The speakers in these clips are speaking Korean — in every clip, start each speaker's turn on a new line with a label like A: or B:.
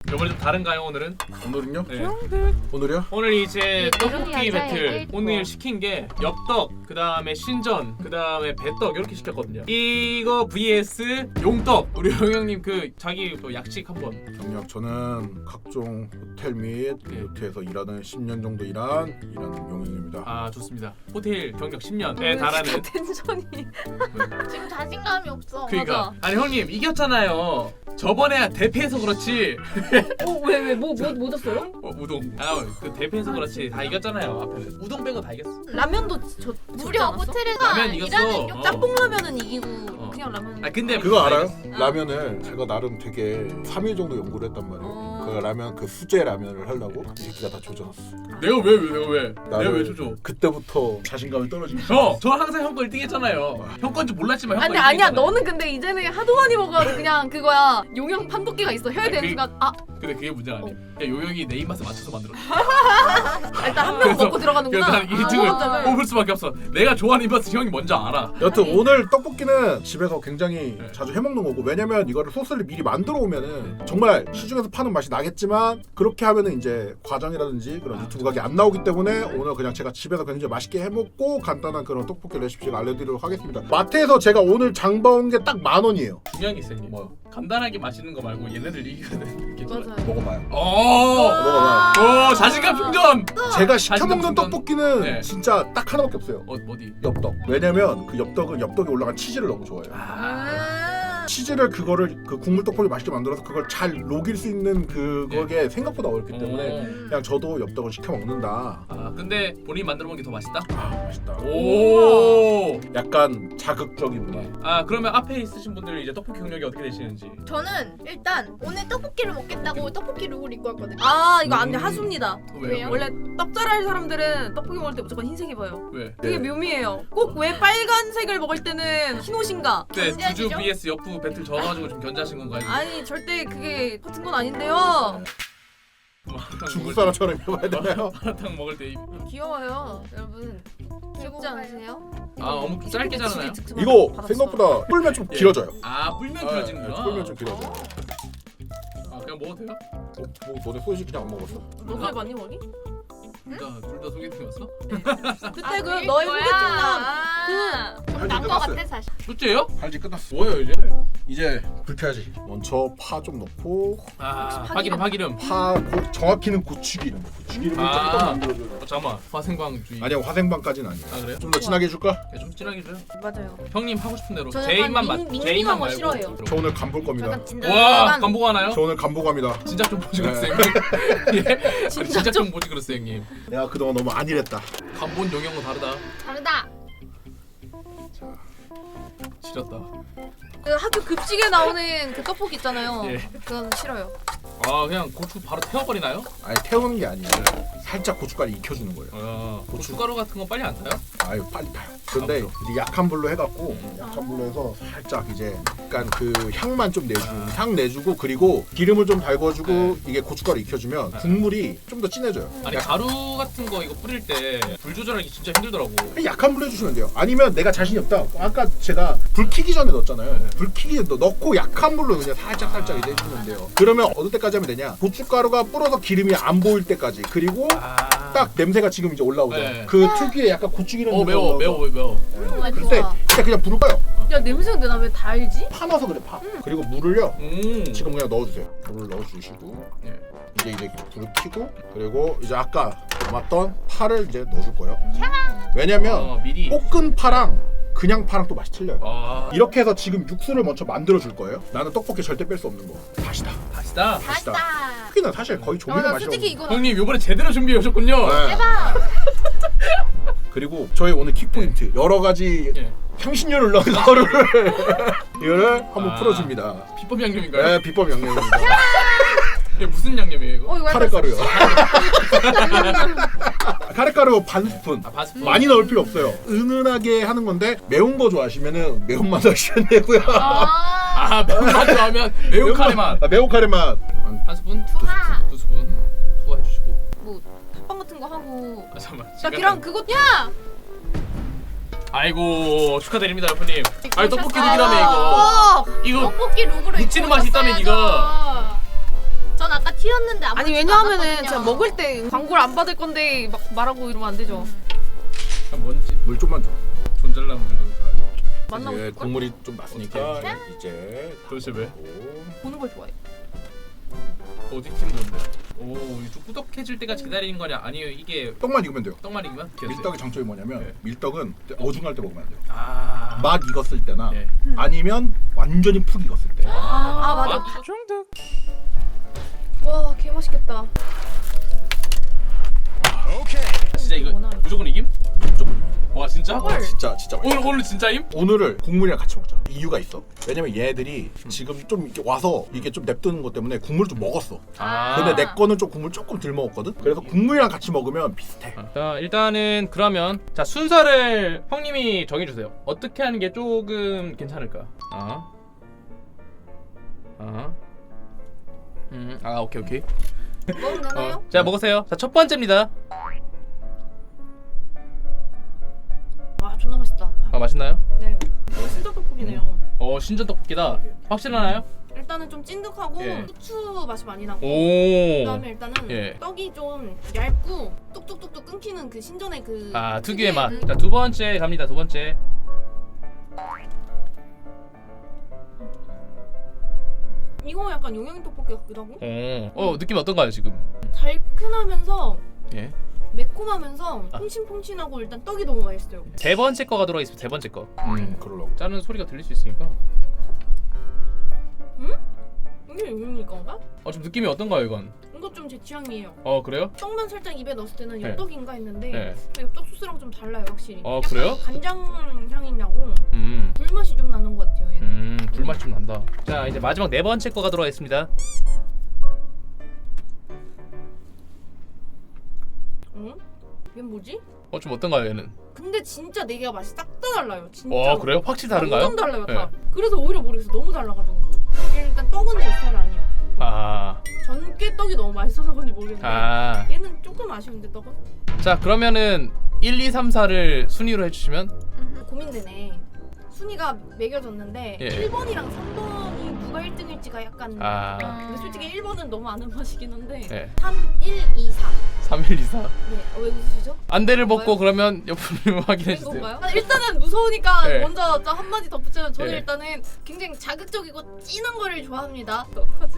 A: 이번에 좀 다른가요 오늘은?
B: 오늘은요?
A: 네.
B: 오늘이요?
A: 오늘 이제 떡볶이
C: 이런
A: 배틀
C: 여자애들
A: 오늘 시킨 게 엽떡, 그 다음에 신전, 그 다음에 배떡 이렇게 시켰거든요. 이거 vs 용떡. 우리 용영님 그 자기 뭐 약식 한번.
B: 경력 저는 각종 호텔 및 요트에서 일하는 10년 정도 일한 용인입니다.
A: 아 좋습니다. 호텔 경력 10년에 달하는.
D: 텐션이.
C: 지금 자신감이 없어.
A: 그러니까 아니 형님 이겼잖아요. 저번에 대패해서 그렇지.
D: 왜뭐 졌어요?
A: 우동. 그 대패해서 그렇지 다 이겼잖아요. 앞에는 우동 빼고 다 이겼어.
D: 라면도
C: 무려 호텔에서
A: 라면 이겼어.
C: 일하는 용
D: 짬뽕 라면은 이기고 그냥 라면.
A: 아 근데
B: 그거 알아요?
A: 이겼어.
B: 라면을 제가 나름 되게 3일 정도 연구를 했단 말이에요. 그 라면 그 수제 라면을 하려고 이 새끼가 다 조져놨어.
A: 내가 왜? 내가
B: 나를
A: 왜 조져?
B: 그때부터 자신감이 떨어지기
A: 저 항상 형 거 1등 했잖아요. 형 건지 몰랐지만 형
D: 아니
A: 거 1등
D: 아니야
A: 했잖아요.
D: 너는 근데 이제는 하도 많이 먹어가지고 그냥 그거야 용형 판독기가 있어 혀에 대는 순간
A: 근데 그게 문제가 아니야. 요영이 내 입맛에 맞춰서 만들었어.
D: 일단 한 명 먹고 들어가는구나.
A: 그래서 난 1등을
D: 아,
A: 뽑을 수밖에 없어. 내가 좋아하는 입맛을 형이 먼저 알아.
B: 여튼 오늘 떡볶이는 집에서 굉장히
A: 네.
B: 자주 해먹는 거고, 왜냐면 이거를 소스를 미리 만들어 오면은 정말 시중에서 파는 맛이 나겠지만 그렇게 하면은 이제 과정이라든지 그런 유튜브 각이 안 나오기 때문에 오늘 그냥 제가 집에서 굉장히 맛있게 해먹고 간단한 그런 떡볶이 레시피를 알려드리도록 하겠습니다. 마트에서 제가 오늘 장 봐온 게 딱 10,000원이에요.
A: 중요한 게 있어요. 뭐 간단하게 맛있는 거 말고 얘네들 이기거든.
D: 맞아요.
B: 먹어봐요.
A: 오 자신감 충전.
B: 제가 시켜
A: 자신감
B: 먹는
A: 충전.
B: 떡볶이는
A: 네.
B: 진짜 딱 하나밖에 없어요.
A: 어디?
B: 엽떡. 왜냐면 그 엽떡은 엽떡에 올라간 치즈를 너무 좋아해요. 치즈를 그거를 그 국물 떡볶이 맛있게 만들어서 그걸 잘 녹일 수 있는 그거게 생각보다 어렵기 때문에 그냥 저도 엽떡을 시켜 먹는다.
A: 아 근데 본인이 만들어 먹는 게 더 맛있다?
B: 아 맛있다.
A: 오.
B: 약간 자극적인 맛.
A: 아 그러면 앞에 있으신 분들 이제 떡볶이 경력이 어떻게 되시는지.
C: 저는 일단 오늘 떡볶이를 먹겠다고 떡볶이 룩을 입고 왔거든요.
D: 아 이거 안 돼 하수입니다.
A: 왜요?
D: 원래 떡잘할 사람들은 떡볶이 먹을 때 무조건 흰색 입어요.
A: 왜?
D: 그게 묘미예요. 꼭 왜 빨간색을 먹을 때는 흰 옷인가?
A: 네
C: 견제하시죠?
A: 주주 vs 여프 배틀 져가지고 좀 견제하신 건가요?
D: 아니 절대 그게 같은 건 아닌데요.
B: 중국 사람처럼 해봐야 되나요?
A: 마라탕 먹을 때
D: 귀여워요, 여러분. 귀엽지 않으세요?
A: 어묵 짧게 자르나요?
B: 이거 생각보다 불면 좀
A: 예.
B: 길어져요.
A: 아 불면
B: 네,
A: 길어지는구나.
B: 불면 좀 길어져요.
A: 아 그냥 먹어도 돼요?
B: 뭐 너네 소시 그냥 안 먹었어?
D: 너 살 많이 먹니?
A: 둘 다 소개팅이었어?
D: 그때 그 너의 소개팅남
B: 할지
C: 난거
B: 끝났어요.
C: 같아 사실.
A: 둘째요?
B: 할지 끝났어.
A: 뭐예요 이제?
B: 이제 불켜야지. 먼저 파 좀 넣고
A: 아 파기름.
B: 정확히는 고추기름. 고추기름을
A: 아.
B: 조금 만들어줘요.
A: 잠깐만 화생광주의.
B: 아니야 화생방까지는 아니야.
A: 아 그래요?
B: 좀 더 진하게 해줄까?
A: 야, 좀 진하게 줘요.
D: 맞아요.
A: 형님 하고 싶은 대로.
D: 저는
A: 제 입만
D: 약간
A: 맞. 제 입만
D: 밍밍한 거
A: 말고.
D: 싫어해요.
B: 저 오늘 간 볼 겁니다.
D: 약간 진짜
A: 와
D: 약간
A: 간보고 하나요?
B: 저 오늘 간보 갑니다.
A: 진작 좀 보지
B: 네.
A: 그랬어요 형님. 예? 진작
D: 좀-
A: 좀 보지 그랬어요 형님.
B: 내가 그동안 너무 안일했다.
A: 간본 영역은 다르다.
C: 다르다.
A: 지렸다.
D: 그 학교 급식에 나오는 그 떡볶이 있잖아요.
A: 예.
D: 그건 싫어요.
A: 아 그냥 고추 바로 태워버리나요?
B: 아니 태우는 게 아니라 살짝 고춧가루 익혀주는 거예요.
A: 아 고춧가루 같은 건 빨리 안 타요?
B: 아유 빨리 타요. 근데
A: 아,
B: 이제 약한 불로 해갖고 약한 불로 해서 살짝 이제 약간 그 향만 좀 내주고 향 내주고 그리고 기름을 좀 달궈주고
A: 네.
B: 이게 고춧가루 익혀주면 국물이 좀 더 진해져요.
A: 아니 가루 같은 거 이거 뿌릴 때 불 조절하기 진짜 힘들더라고.
B: 약한 불로 해주시면 돼요. 아니면 내가 자신이 없다. 아까 제가 불 켜기 전에 넣었잖아요. 불 켜기 넣고 약한 불로 그냥 살짝 이제 해주면 돼요. 그러면 어느 때까지 하면 되냐? 고춧가루가 불어서 기름이 안 보일 때까지. 그리고 딱 냄새가 지금 이제 올라오죠.
A: 네.
B: 그 특유의 약간 고추기름.
A: 매워.
B: 그럴 때 그냥 불을 꺼요.
D: 야 냄새인데 나 왜 다 알지?
B: 파 넣어서 그래 파. 그리고 물을요. 지금 그냥 넣어주세요. 물을 넣어주시고
A: 예.
B: 이제 불을 켜고 그리고 이제 아까 남았던 파를 이제 넣어줄 거예요. 왜냐면
A: 미리.
B: 볶은 파랑 그냥 파랑 또 맛이 틀려요.
A: 아
B: 이렇게 해서 지금 육수를 먼저 만들어 줄 거예요. 나는 떡볶이 절대 뺄 수 없는 거. 다시다.
A: 다시다.
C: 다시다.
B: 떡볶이는 사실 거의 조미료
D: 나
B: 맛이
D: 솔직히
B: 없는
D: 이거
A: 형님 요번에 제대로 준비해 오셨군요.
B: 거. 네.
C: 대박.
B: 그리고 저희 오늘 킥포인트 여러 가지
A: 예.
B: 향신료를 넣은 거를 이거를 한번
A: 아.
B: 풀어줍니다.
A: 비법 양념인가요?
B: 네, 비법 양념입니다.
A: 이게 무슨 양념이에요 이거?
D: 이거 약간
B: 카레가루요. 카레가루 반 스푼.
A: 반 스푼?
B: 많이 넣을 필요 없어요. 은은하게 하는 건데 매운 거 좋아하시면은 매운맛 하시면 되고요.
A: 매운맛 좋아하면 매운 카레 맛.
B: 매운 카레 맛.
A: 한 스푼?
C: 투하.
A: 두 스푼. 투하해주시고.
D: 뭐 탑빵 같은 거 하고.
A: 잠깐만.
D: 나 걔랑 그거 야!
A: 아이고 축하드립니다 여프님. 아니 떡볶이
C: 오셨어요.
A: 룩이라며 이거. 이거
C: 떡볶이 룩으로
A: 묻히는
C: 입고
A: 맛이 있다며,
C: 오셨어야죠.
D: 전
C: 전 아까 튀었는데 아무
D: 아니 왜냐하면은 제가 먹을 때 광고를 안 받을 건데 막 말하고 이러면 안 되죠.
A: 뭔지
B: 물 좀만 줘.
A: 존잘나무를 다.
D: 만나고
B: 이제
D: 싶을걸?
B: 국물이 좀 났으니까 이제
A: 도대체 왜?
B: 고
D: 보는 걸 좋아해.
A: 어디 팀 건데? 오, 좀 꾸덕해질 때까지 기다리는 거냐? 아니요, 이게
B: 떡만 익으면 돼요.
A: 떡만 익으면?
B: 밀떡의 장점이 뭐냐면
A: 네.
B: 밀떡은 어중할 때 먹으면 안 돼요.
A: 아,
B: 막 익었을 때나
A: 네.
B: 아니면 완전히 푹 익었을 때.
D: 아 맞아.
A: 맛 중독.
D: 와 개맛있겠다.
A: 진짜 이거 무조건 이김?
B: 무조건.
A: 와 진짜?
D: 헐.
B: 진짜 맛있어.
A: 오늘 진짜임?
B: 오늘을 국물이랑 같이 먹자. 이유가 있어. 왜냐면 얘들이 지금 좀 이렇게 와서 이게 좀 냅두는 것 때문에 국물을 좀 먹었어.
A: 아.
B: 근데 내 거는 좀 국물 조금 덜 먹었거든. 그래서 국물이랑 같이 먹으면 비슷해.
A: 자 일단은 그러면 자 순서를 형님이 정해주세요. 어떻게 하는 게 조금 괜찮을까? 오케이.
C: 먹으면 되나요?
A: 자 먹으세요. 자 첫 번째입니다.
D: 와 존나 맛있다.
A: 아 맛있나요?
D: 네. 이거 신전 떡볶이네요.
A: 신전 떡볶이다. 확실하나요?
D: 일단은 좀 찐득하고
A: 예.
D: 후추 맛이 많이 나고.
A: 오.
D: 그다음에 일단은
A: 예.
D: 떡이 좀 얇고 뚝뚝뚝뚝 끊기는 그 신전의 그
A: 특유의 맛.
D: 그-
A: 자 두 번째 갑니다. 두 번째.
D: 이거 약간 용영이 떡볶이 같기도 하고
A: 느낌 어떤가요 지금?
D: 달큰하면서
A: 예.
D: 매콤하면서 퐁신퐁신하고 일단 떡이 너무 맛있어요.
A: 세 번째 거가 들어가 있습니다. 세 번째 거.
B: 그러려고.
A: 짜는 소리가 들릴 수 있으니까.
D: 이게 용영이 건가?
A: 좀 느낌이 어떤가요 이건?
D: 이거 좀 제 취향이에요.
A: 그래요?
D: 떡만 살짝 입에 넣었을 때는
A: 네.
D: 엽떡인가 했는데
A: 네.
D: 엽떡 소스랑 좀 달라요 확실히. 약간
A: 그래요?
D: 간장 향이 나고
A: 음.
D: 불맛이 좀 나는 것 같아요 얘는.
A: 불맛이 좀 난다. 자 이제 마지막 네 번째 거가 들어가 있습니다.
D: 응? 얘 뭐지?
A: 좀 어떤가요 얘는?
D: 근데 진짜 네 개가 맛이 싹 다 달라요. 진짜.
A: 와 그래요? 확실히 다른가요?
D: 완전 달라요
A: 네.
D: 다. 그래서 오히려 모르겠어. 너무 달라가지고. 일단 떡은 제 스타일 아니에요. 전께 떡이 너무 맛있어서 그런지 모르겠는데 얘는 조금 아쉬운데 떡은?
A: 자 그러면은 1, 2, 3, 4를 순위로 해주시면
D: 고민되네. 순위가 매겨졌는데
A: 예.
D: 1번이랑 3번이 누가 1등일지가 약간 근데 솔직히 1번은 너무 아는 맛이긴 한데
A: 네.
D: 3, 1, 2, 4
A: 3, 1, 2, 4
D: 네. 왜 웃으시죠?
A: 안대를 벗고
D: 뭔가요?
A: 그러면 옆으로 확인해주세요.
D: 건가요? 일단은 무서우니까
A: 네.
D: 먼저 저 한마디 덧붙이면 저는
A: 네.
D: 일단은 굉장히 자극적이고 진한 거를 좋아합니다. 어떡하지?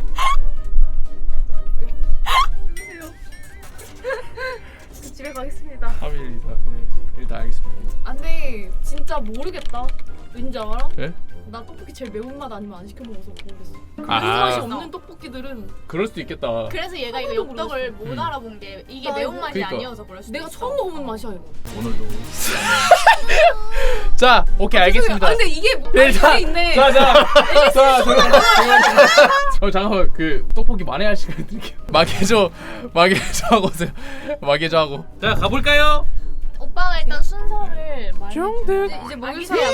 D: 집에 가겠습니다.
A: 3, 1, 2, 4 일단 알겠습니다.
D: 안돼 진짜 모르겠다. 왠지 알아?
A: 네?
D: 나 떡볶이 제일 매운맛 아니면 안 시켜 먹어서 모르겠어.
A: 아.
D: 매운맛이 없는 떡볶이들은
A: 그럴 수도 있겠다.
C: 그래서 얘가 이거
D: 하나도
C: 엽떡을
A: 음.
C: 못 알아본 게 이게
D: 나
C: 매운맛이
A: 그러니까.
C: 아니어서 그럴 수도
D: 내가
C: 있어.
D: 처음 먹어본 맛이야 이거.
B: 오늘도
A: 자 오케이 알겠습니다.
D: 근데 이게 뭐
A: 네, 자,
D: 이게 있네.
A: 자, 잠깐만 그 떡볶이 만회할 시간 드릴게요. 마개조 하고 오세요. 마개조 하고. 자 가볼까요?
C: 오빠가 일단 순서를
A: 중득.
C: 이제 먹이세요.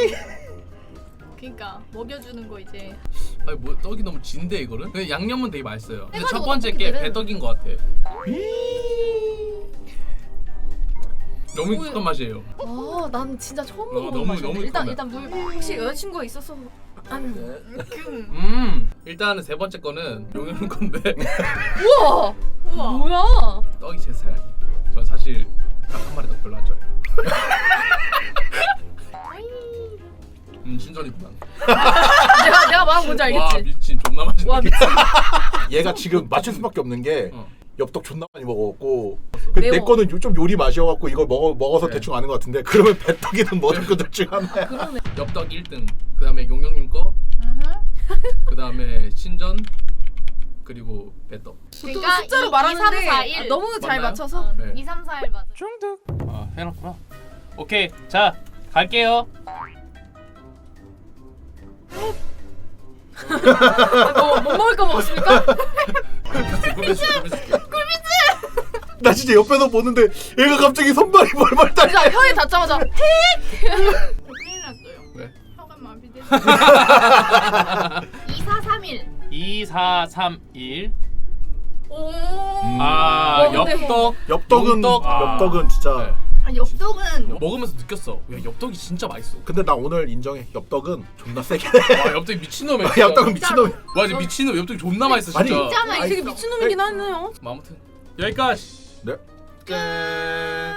C: 그러니까 먹여주는 거 이제.
A: 아니 뭐 떡이 너무 진데 이거는? 근데 양념은 되게 맛있어요. 근데 첫
C: 해가지고
A: 번째 게
C: 떡볶이들은-
A: 배떡인 것 같아. 너무 익숙한 맛이에요.
D: 난 진짜 처음
A: 너무-
D: 먹어본 맛이야.
A: 너무
D: 일단
A: 익숙하네.
D: 물 혹시 여자친구가 있어서
A: 일단은 세 번째 거는 용현 건데
D: 우와 뭐야?
A: 떡이 제 스타일 아니에요. 전 사실 닭 한 마리 떡 별로 안 좋아해요. 신전이구만.
D: 내가 말한 뭔지
A: 와
D: 알겠지?
A: 미친 존나 맛있네.
D: 와 미친.
B: 얘가 지금 맞출 수밖에 없는 게 엽떡 존나 많이 먹었고
D: 매워.
B: 내 거는 좀 요리 맛이어갖고 이걸 먹어서
A: 네.
B: 대충 아는 것 같은데 그러면 배떡이든 뭐든 그 둘 중 하나야.
D: 그러네.
A: 엽떡 1등. 그 다음에 용영님 거. 그 다음에 신전. 그리고 배떡.
C: 그러니까
D: 숫자로
C: 2,
D: 말하는데
C: 3, 4, 1.
D: 너무 잘
A: 맞나요?
D: 맞춰서.
A: 네.
C: 2, 3, 4, 1 맞아.
A: 중득. 해놨구나. 오케이 자 갈게요.
D: 못 먹을 거 먹었습니까?
B: 나 진짜 옆에서 보는데 얘가 갑자기 손발이 벌벌 떨려.
D: 진짜 혀에 닿자마자
C: 큰일 났어요.
A: 왜?
C: 혀가 마비돼. 2, 4, 3, 1.
A: 2, 4, 3, 1.
D: 오.
A: 아
D: 근데-
A: 엽떡.
B: 엽떡은
A: 용떡.
B: 엽떡은 진짜
A: 네.
C: 아, 엽떡은
A: 먹으면서 느꼈어. 야 엽떡이 진짜 맛있어.
B: 근데 나 오늘 인정해. 엽떡은 존나 세게.
A: 와 엽떡이 미친놈이야.
B: 엽떡은 미친놈.
A: 와 진짜 미친놈. 엽떡이 존나 맛있어
B: 아니,
A: 진짜.
C: 진짜
D: 이
C: 맛있어.
D: 되게 미친놈이긴 하네요.
A: 뭐 아무튼 여기까지.
B: 네.
A: 끝.